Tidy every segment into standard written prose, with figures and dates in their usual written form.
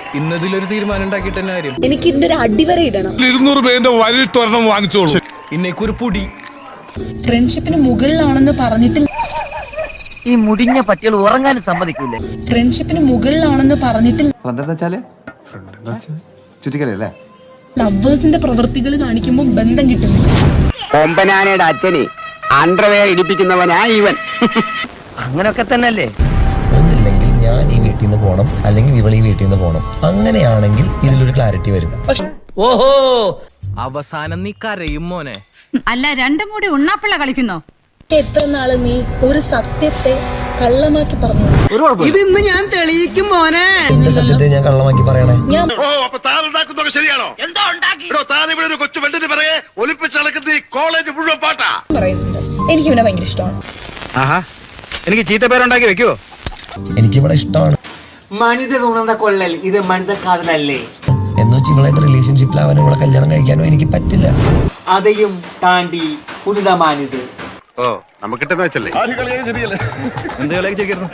ഇന്നതിലൊരു തീരുമാനം ഉണ്ടാക്കിയിട്ട് തന്നെ കാര്യം. എനിക്ക് ഇതിന്റെ ഒരു അടിവര ഇടണം. 200 പേരുടെ വലിട്ടൊരെണ്ണം വാങ്ങിച്ചോളൂ. ഇന്നേക്കൊരു പൊടി. ഫ്രണ്ട്ഷിപ്പിന് മുകളിലാണെന്ന് പറഞ്ഞിട്ട് ഈ മുടിഞ്ഞ പട്ടികൾ ഉറങ്ങാനും സമ്മതിക്കൂലേ? ഫ്രണ്ട്ഷിപ്പിന് മുകളിലാണെന്ന് പറഞ്ഞിട്ട് ചുറ്റിക്കളിയല്ലേ ലവേഴ്സിന്റെ പ്രവൃത്തികൾ കാണിക്കുമ്പോൾ ബന്ധം കിട്ടുന്നില്ല. കൊമ്പനാനയുടെ അച്ഛനെ അണ്ടർവെയർ ഇടിപ്പിക്കുന്നവനാ ഇവൻ. അങ്ങനൊക്കെ തന്നെയല്ലേ? ഒന്നില്ലെങ്കിൽ ഞാൻ ഈ വീട്ടിൽ നിന്ന് പോകണം, അല്ലെങ്കിൽ ഇവൾ ഈ വീട്ടിൽ നിന്ന് പോകണം. അങ്ങനെയാണെങ്കിൽ ഇതിലൊരു ക്ലാരിറ്റി വരും. ഓഹോ, അവസാനം നീ കരയും മോനെ. അല്ല, രണ്ടും കൂടി ഉണ്ണാപ്പിള്ള കളിക്കുന്നോ? എത്ര നാള് നീ ഒരു സത്യത്തെ കള്ളമാക്കി പറഞ്ഞു? ഇതിന്ന് ഞാൻ തെളിയിക്കും മോനെ. എന്റെ സത്യത്തെ ഞാൻ കള്ളമാക്കി പറയണേ? ഞാൻ ശരിയാണോ? താൻ ഇവിടെ ഒരു കൊച്ചു വെള്ളിന് പറയെ ഒലിപ്പിച്ചളക്കുന്ന ഈ കോളേജ് മുഴുവൻ പാട്ടാ പറയുന്നത് എനിക്ക് ഇവനെ ഭയങ്കര ഇഷ്ടമാണ്. എനിക്ക് ചീത്ത പേരുണ്ടാക്കി വെക്കുവോ? എനിക്കിവിടെ ഇഷ്ടമാണ് മനിത തോന്നുന്ന കൊള്ളൽ ഇത് മനിത കാതലല്ലേ? എന്ന് വെച്ച് ഇവളായിട്ട് റിലേഷൻഷിപ്പിലാവാനോ ഇവളെ കല്യാണം കഴിക്കാനോ എനിക്ക് പറ്റില്ല. അതെയും താണ്ടി പുനിതമാനിത്. ഓ നമുക്കിട്ടെന്ന് വെച്ചല്ലേ എന്ത് കളിയൊക്കെ ചെയ്തിരുന്നു?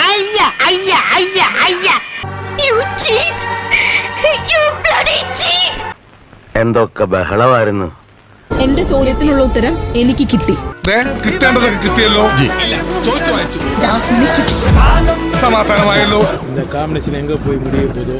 എന്തൊക്കെ ബഹളമായിരുന്നു. എന്റെ ചോദ്യത്തിനുള്ള ഉത്തരം എനിക്ക് കിട്ടി. കിട്ടേണ്ടതൊക്കെ കിട്ടിയല്ലോ. ചോദിച്ചു വായിച്ചു. ജാസ്മിന് കിട്ടി. സമാധാനമായല്ലോ. കാമിനേഷൻ എങ്ക പോയി മുടിയെ പോതോ.